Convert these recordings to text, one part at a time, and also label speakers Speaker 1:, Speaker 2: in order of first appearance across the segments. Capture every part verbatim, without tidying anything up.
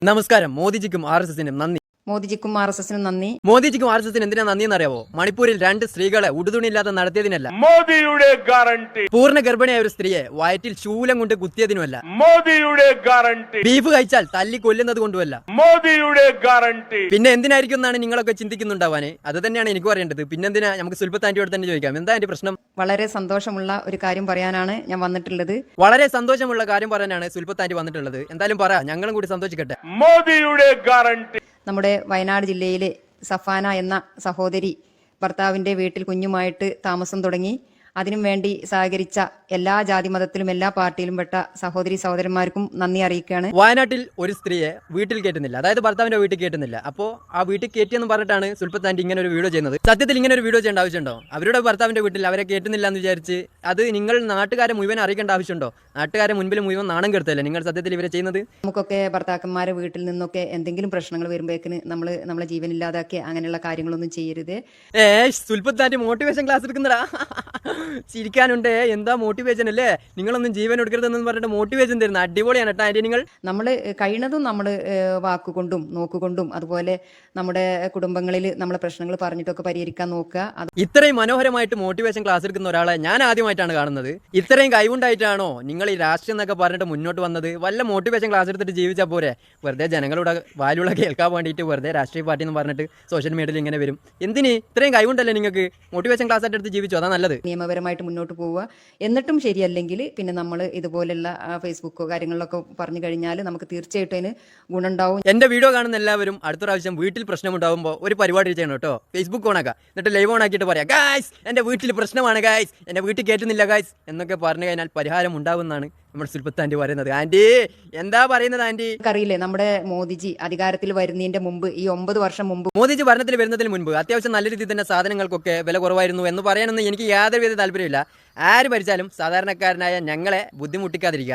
Speaker 1: നമസ്കാരം. മോദിജിക്കും R S എസിനും നന്ദി.
Speaker 2: മോദിജിക്കും R S എസിനും നന്ദി.
Speaker 1: മോദിജിക്കും ആർ എസ് എസിനും എന്തിനാ നന്ദി എന്നറിയാവോ? മണിപ്പൂരിൽ രണ്ട് സ്ത്രീകളെ ഉടുതുണിയില്ലാതെ നടത്തിയതിനല്ല,
Speaker 3: മോദിയുടെ ഗ്യാരണ്ടി.
Speaker 1: പൂർണ്ണ ഗർഭിണിയായ ഒരു സ്ത്രീയെ വയറ്റിൽ ശൂലം കൊണ്ട് കുത്തിയതിനുമല്ല,
Speaker 3: മോദിയുടെ ഗ്യാരണ്ടി.
Speaker 1: ബീഫ് കഴിച്ചാൽ തല്ലി കൊല്ലുന്നത് കൊണ്ടുമല്ല,
Speaker 3: മോദിയുടെ ഗ്യാരണ്ടി.
Speaker 1: പിന്നെ എന്തിനായിരിക്കും എന്നാണ് നിങ്ങളൊക്കെ ചിന്തിക്കുന്നുണ്ടാവാനെ? അത് തന്നെയാണ് എനിക്ക് പറയേണ്ടത്. പിന്നെന്തിനാ? നമുക്ക് സുൽഫത്ത് ആന്റിയോട് തന്നെ ചോദിക്കാം. എന്താ എന്റെ പ്രശ്നം?
Speaker 2: വളരെ സന്തോഷമുള്ള ഒരു കാര്യം പറയാനാണ് ഞാൻ വന്നിട്ടുള്ളത്.
Speaker 1: വളരെ സന്തോഷമുള്ള കാര്യം പറയാനാണ് സുൽഫത്ത് ആന്റി വന്നിട്ടുള്ളത്. എന്തായാലും പറ, ഞങ്ങളും കൂടി സന്തോഷിക്കട്ടെ.
Speaker 3: മോദിയുടെ ഗ്യാരണ്ടി.
Speaker 2: നമ്മുടെ വയനാട് ജില്ലയിലെ സഫാന എന്ന സഹോദരി ഭർത്താവിന്റെ വീട്ടിൽ കുഞ്ഞുമായിട്ട് താമസം തുടങ്ങി. അതിനും വേണ്ടി സഹകരിച്ച എല്ലാ ജാതി മതത്തിലും എല്ലാ പാർട്ടിയിലും പെട്ട സഹോദരി സഹോദരന്മാർക്കും നന്ദി അറിയിക്കുകയാണ്.
Speaker 1: വയനാട്ടിൽ ഒരു സ്ത്രീയെ വീട്ടിൽ കയറ്റുന്നില്ല, അതായത് ഭർത്താവിന്റെ വീട്ടിൽ കയറ്റുന്നില്ല. അപ്പോൾ ആ വീട്ടിൽ കയറ്റിയെന്ന് പറഞ്ഞിട്ടാണ് സുൽഫത്ത് ആന്റി ഇങ്ങനെ ഒരു വീഡിയോ ചെയ്യുന്നത്. സത്യത്തിൽ ഇങ്ങനെ ഒരു വീഡിയോ ചെയ്യേണ്ട ആവശ്യമുണ്ടോ? അവരുടെ ഭർത്താവിന്റെ വീട്ടിൽ അവരെ കയറ്റുന്നില്ല എന്ന് വിചാരിച്ച് അത് നിങ്ങൾ നാട്ടുകാരെ മുഴുവൻ അറിയിക്കേണ്ട ആവശ്യമുണ്ടോ? നാട്ടുകാരെ മുൻപിൽ മുഴുവൻ നാണം കെടുത്തല്ലേ നിങ്ങൾ സത്യത്തിൽ ഇവരെ ചെയ്യുന്നത്?
Speaker 2: നമുക്കൊക്കെ ഭർത്താക്കന്മാരെ വീട്ടിൽ നിന്നൊക്കെ എന്തെങ്കിലും പ്രശ്നങ്ങൾ വരുമ്പോഴേക്കിന് നമ്മൾ നമ്മളെ ജീവനില്ലാതാക്കി അങ്ങനെയുള്ള കാര്യങ്ങളൊന്നും ചെയ്യരുത്.
Speaker 1: ഏ സുൽഫത്ത് ആന്റി മോട്ടിവേഷൻ ക്ലാസ് എടുക്കുന്നടാ. ചിരിക്കാനുണ്ട്. എന്താ മോട്ടിവേഷൻ അല്ലേ? നിങ്ങളൊന്നും ജീവൻ എടുക്കരുതെന്ന് പറഞ്ഞിട്ട് മോട്ടിവേഷൻ തരുന്ന അടിപൊളിയാണ് കേട്ടോ ആന്റി. നിങ്ങൾ
Speaker 2: നമ്മൾ കഴിയുന്നതും നമ്മൾ വാക്കുകൊണ്ടും നോക്കുകൊണ്ടും അതുപോലെ നമ്മുടെ കുടുംബങ്ങളിൽ നമ്മളെ പ്രശ്നങ്ങൾ പറഞ്ഞിട്ടൊക്കെ പരിഹരിക്കാൻ നോക്കുക.
Speaker 1: ഇത്രയും മനോഹരമായിട്ട് മോട്ടിവേഷൻ ക്ലാസ് എടുക്കുന്ന ഒരാളെ ഞാൻ ആദ്യമായിട്ടാണ് കാണുന്നത്. ഇത്രയും കഴിവുണ്ടായിട്ടാണോ നിങ്ങൾ ഈ രാഷ്ട്രീയം എന്നൊക്കെ പറഞ്ഞിട്ട് മുന്നോട്ട് വന്നത്? വല്ല മോട്ടിവേഷൻ ക്ലാസ് എടുത്തിട്ട് ജീവിച്ചാൽ പോരെ? വെറുതെ ജനങ്ങളുടെ വാലുള്ള കേൾക്കാൻ വേണ്ടിയിട്ട് വെറുതെ രാഷ്ട്രീയ പാർട്ടി എന്ന് പറഞ്ഞിട്ട് സോഷ്യൽ മീഡിയയിൽ ഇങ്ങനെ വരും. എന്തിന്? ഇത്രയും കഴിവുണ്ടല്ലേ നിങ്ങൾക്ക്? മോട്ടിവേഷൻ ക്ലാസ് ആയിട്ട് എടുത്ത് ജീവിച്ചു, അതാ നല്ലത്.
Speaker 2: നിയമപരമായിട്ട് മുന്നോട്ട് പോവുക. എന്നിട്ടും ശരിയല്ലെങ്കിൽ പിന്നെ നമ്മൾ ഇതുപോലുള്ള ഫേസ്ബുക്കോ കാര്യങ്ങളിലൊക്കെ പറഞ്ഞു കഴിഞ്ഞാൽ നമുക്ക് തീർച്ചയായിട്ടും അതിന് ഗുണമുണ്ടാവും.
Speaker 1: എന്റെ വീഡിയോ കാണുന്ന എല്ലാവരും അടുത്ത പ്രാവശ്യം വീട്ടിൽ പ്രശ്നമുണ്ടാകുമ്പോൾ ഒരു പരിപാടി ചെയ്യണം കേട്ടോ. ഫേസ്ബുക്ക് ഓണാക്കുക, എന്നിട്ട് ലൈവ് ഓൺ ആക്കിയിട്ട് പറയാം, ഗായ്സ് എന്റെ വീട്ടിൽ പ്രശ്നമാണ് ഗായ്സ്, എന്റെ വീട്ടിൽ കയറ്റുന്നില്ല ഗായ്സ് എന്നൊക്കെ പറഞ്ഞു കഴിഞ്ഞാൽ പരിഹാരം ഉണ്ടാവുമെന്നാണ് നമ്മുടെ സുൽഫത്ത് ആന്റി പറയുന്നത്. ആന്റി എന്താ പറയുന്നത് ആന്റി?
Speaker 2: അറിയില്ലേ, നമ്മുടെ മോദിജി അധികാരത്തിൽ വരുന്നതിന്റെ മുമ്പ്, ഈ ഒമ്പത് വർഷം മുമ്പ്
Speaker 1: മോദിജി ഭരണത്തിൽ വരുന്നതിന് മുൻപ് അത്യാവശ്യം നല്ല രീതിയിൽ തന്നെ സാധനങ്ങൾക്കൊക്കെ വില കുറവായിരുന്നു എന്ന് പറയാനൊന്നും എനിക്ക് യാതൊരുവിധ താല്പര്യമില്ല. ആര് ഭരിച്ചാലും സാധാരണക്കാരനായ ഞങ്ങളെ ബുദ്ധിമുട്ടിക്കാതിരിക്കുക.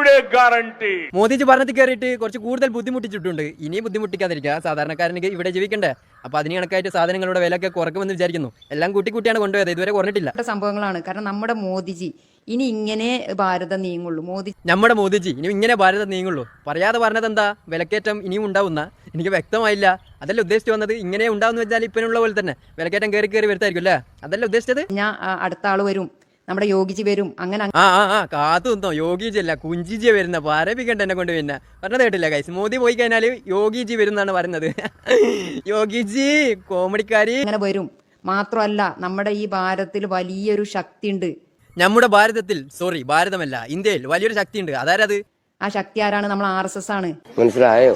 Speaker 1: മോദിജി ഭരണത്തിൽ കയറിയിട്ട് കുറച്ച് കൂടുതൽ ബുദ്ധിമുട്ടിച്ചിട്ടുണ്ട്. ഇനി ബുദ്ധിമുട്ടിക്കാതിരിക്കുക. സാധാരണക്കാരന് ഇവിടെ ജീവിക്കണ്ടേ? അപ്പൊ അതിന് കണക്കായിട്ട് സാധനങ്ങളുടെ വിലയൊക്കെ കുറക്കുമെന്ന് വിചാരിക്കുന്നു. എല്ലാം കൂട്ടി കൂട്ടിയാണ് കൊണ്ടുപോയത്, ഇതുവരെ കുറഞ്ഞിട്ടില്ല.
Speaker 2: സംഭവങ്ങളാണ്. കാരണം നമ്മുടെ മോദിജി ഇനി ഇങ്ങനെ ഭാരതം നീങ്ങുള്ളൂ. മോദി
Speaker 1: നമ്മുടെ മോദിജി ഇനി ഇങ്ങനെ ഭാരതം നീങ്ങുള്ളൂ. പറയാതെ പറഞ്ഞത് എന്താ? വിലക്കയറ്റം ഇനിയും ഉണ്ടാവുന്ന എനിക്ക് വ്യക്തമായില്ല. അതല്ല ഉദ്ദേശിച്ചു വന്നത്. ഇങ്ങനെ ഉണ്ടാവുന്ന വെച്ചാൽ ഇപ്പനുള്ള പോലെ തന്നെ വിലക്കയറ്റം കയറി കയറി വരുത്തായിരിക്കും അല്ലേ? അതല്ല ഉദ്ദേശിച്ചത്.
Speaker 2: ഞാൻ അടുത്ത ആള് വരും, നമ്മുടെ യോഗിജി വരും, അങ്ങനെ
Speaker 1: ആ ആ ആ കാത്തു നിന്നോ. യോഗിജി അല്ല കുഞ്ചിജി വരുന്ന. പറയിപ്പിക്കണ്ട എന്നെ കൊണ്ട്. പിന്നെ പറഞ്ഞത് കേട്ടില്ല ഗൈസ്. മോദി പോയി കഴിഞ്ഞാൽ യോഗിജി വരും എന്നാണ് പറയുന്നത്. യോഗിജി കോമഡിക്കാരി
Speaker 2: അങ്ങനെ വരും. മാത്രമല്ല നമ്മുടെ ഈ ഭാരതത്തിൽ വലിയൊരു ശക്തി ഉണ്ട്.
Speaker 1: നമ്മുടെ ഭാരതത്തിൽ, സോറി ഭാരതമല്ല, ഇന്ത്യയിൽ വലിയൊരു ശക്തി ഉണ്ട്. അതാരത്?
Speaker 2: ആ ശക്തി ആരാണ്? നമ്മൾ ആർ എസ് എസ് ആണ്.
Speaker 4: മനസ്സിലായോ?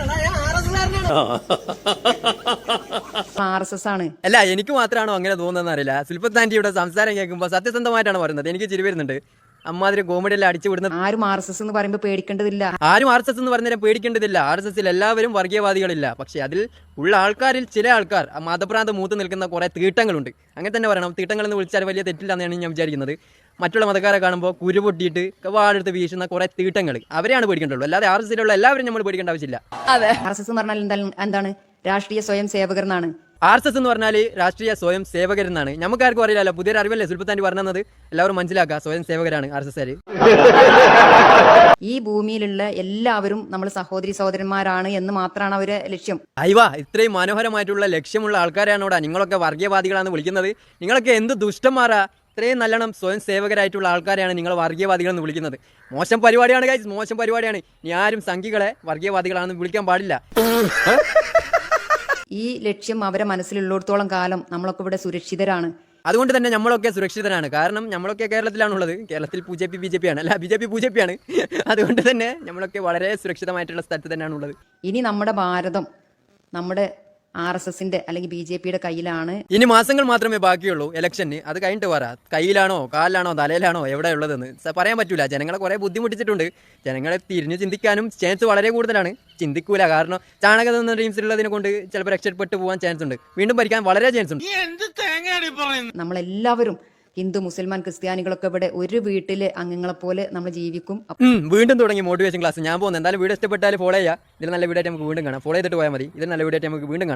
Speaker 2: ആർ എസ് എസ് ആണ്.
Speaker 1: അല്ല എനിക്ക് മാത്രമാണോ അങ്ങനെ തോന്നുന്നതെന്ന് അറിയില്ല. സുൽഫത്ത് ആന്റിയുടെ സംസാരം കേൾക്കുമ്പോൾ സത്യസന്ധമായിട്ടാണ് പറയുന്നത്. എനിക്ക് ചിരി വരുന്നുണ്ട്. അമ്മാതിരി കോമഡിയെല്ലാം അടിച്ചു വിടുന്നത്.
Speaker 2: ആരും ആർ എസ് എസ് എന്ന് പറയുമ്പോൾ പേടിക്കേണ്ടതില്ല.
Speaker 1: ആരും ആർ എസ് എസ് എന്ന് പറഞ്ഞാൽ പേടിക്കേണ്ടതില്ല. ആർ എസ് എസിൽ എല്ലാവരും വർഗീയവാദികളില്ല. പക്ഷെ അതിൽ ഉള്ള ആൾക്കാരിൽ ചില ആൾക്കാർ മതഭ്രാന്ത് മൂത്ത് നിൽക്കുന്ന കുറെ തീട്ടങ്ങളുണ്ട്. അങ്ങനെ തന്നെ പറയണം. തീട്ടങ്ങൾ എന്ന് വിളിച്ചാൽ വലിയ തെറ്റില്ല എന്നാണ് ഞാൻ വിചാരിക്കുന്നത്. മറ്റുള്ള മതക്കാരെ കാണുമ്പോൾ കുരു പൊട്ടിയിട്ട് വാടെടുത്ത് വീശുന്ന കുറെ തീട്ടങ്ങൾ, അവരെയാണ് പേടിക്കേണ്ടുള്ളൂ. അല്ലാതെ ആർ എസ് എസിലുള്ള എല്ലാവരും നമ്മൾ പേടിക്കേണ്ട ആവശ്യമില്ല.
Speaker 2: ആർ എസ് എസ് എന്ന് പറഞ്ഞാൽ എന്താണ്? രാഷ്ട്രീയ സ്വയം സേവകർ എന്നാണ്.
Speaker 1: ആർ എസ് എസ് എന്ന് പറഞ്ഞാൽ രാഷ്ട്രീയ സ്വയം സേവകരെന്നാണ്. നമുക്കാർക്കും അറിയില്ലല്ലോ. പുതിയൊരു അറിവല്ലേ സുൽഫത്ത് ആന്റി പറഞ്ഞത്? എല്ലാവരും മനസ്സിലാക്കുക, സ്വയം സേവകരാണ് ആർ എസ് എസ്.
Speaker 2: ഈ ഭൂമിയിലുള്ള എല്ലാവരും നമ്മൾ സഹോദരി സഹോദരന്മാരാണ് എന്ന് മാത്രമാണ് അവരെ ലക്ഷ്യം.
Speaker 1: അയ്വാ, ഇത്രയും മനോഹരമായിട്ടുള്ള ലക്ഷ്യമുള്ള ആൾക്കാരാണ് ഇവിടെ. നിങ്ങളൊക്കെ വർഗീയവാദികളാണ് വിളിക്കുന്നത്. നിങ്ങളൊക്കെ എന്ത് ദുഷ്ടന്മാരാ! ഇത്രയും നല്ലോണം സ്വയം സേവകരായിട്ടുള്ള ആൾക്കാരെയാണ് നിങ്ങൾ വർഗീയവാദികളെന്ന് വിളിക്കുന്നത്. മോശം പരിപാടിയാണ് ഗൈസ്, മോശം പരിപാടിയാണ്. ഇനി ആരും സംഘികളെ വർഗീയവാദികളാണെന്ന് വിളിക്കാൻ പാടില്ല.
Speaker 2: ഈ ലക്ഷ്യം അവരെ മനസ്സിലുള്ളിടത്തോളം കാലം നമ്മളൊക്കെ ഇവിടെ സുരക്ഷിതരാണ്.
Speaker 1: അതുകൊണ്ട് തന്നെ നമ്മളൊക്കെ സുരക്ഷിതരാണ്. കാരണം നമ്മളൊക്കെ കേരളത്തിലാണുള്ളത്. കേരളത്തിൽ B J P B J P ആണ്, അല്ല B J P B J P ആണ്. അതുകൊണ്ട് തന്നെ നമ്മളൊക്കെ വളരെ സുരക്ഷിതമായിട്ടുള്ള സ്ഥലത്ത് തന്നെയാണ് ഉള്ളത്.
Speaker 2: ഇനി നമ്മുടെ ഭാരതം നമ്മുടെ ആർ എസ് എസിന്റെ അല്ലെങ്കിൽ ബി ജെ പിയുടെ കയ്യിലാണ്.
Speaker 1: ഇനി മാസങ്ങൾ മാത്രമേ ബാക്കിയുള്ളൂ ഇലക്ഷന്. അത് കഴിഞ്ഞിട്ട് പറ കയ്യിലാണോ കാലിലാണോ തലയിലാണോ എവിടെ ഉള്ളതെന്ന് പറയാൻ പറ്റൂല. ജനങ്ങളെ കുറെ ബുദ്ധിമുട്ടിച്ചിട്ടുണ്ട്. ജനങ്ങളെ തിരിഞ്ഞു ചിന്തിക്കാനും ചാൻസ് വളരെ കൂടുതലാണ്. ചിന്തിക്കൂല. കാരണം ചാണകം എന്ന ഡ്രീംസിലുള്ളതിനെ കൊണ്ട് ചിലപ്പോൾ രക്ഷപ്പെട്ടു പോകാൻ ചാൻസ് ഉണ്ട്. വീണ്ടും ഭരിക്കാൻ വളരെ ചാൻസ് ഉണ്ട്.
Speaker 2: നമ്മളെല്ലാവരും ഹിന്ദു മുസൽമാൻ ക്രിസ്ത്യാനികളൊക്കെ ഇവിടെ ഒരു വീട്ടിലെ അംഗങ്ങളെ പോലെ നമ്മൾ ജീവിക്കും.
Speaker 1: വീണ്ടും തുടങ്ങി മോട്ടിവേഷൻ ക്ലാസ്. ഞാൻ പോകുന്നത്. എന്തായാലും വീഡിയോ ഇഷ്ടപ്പെട്ടാൽ ഫോളോ ചെയ്യുക. ഇതിൽ നല്ല വീഡിയോ ആയിട്ട് നമുക്ക് വീണ്ടും കാണാം. ഫോളോ ചെയ്തിട്ട് പോയാൽ മതി. ഇതിൽ നല്ല വീഡിയോ ആയിട്ട് നമുക്ക് വീണ്ടും കാണാം.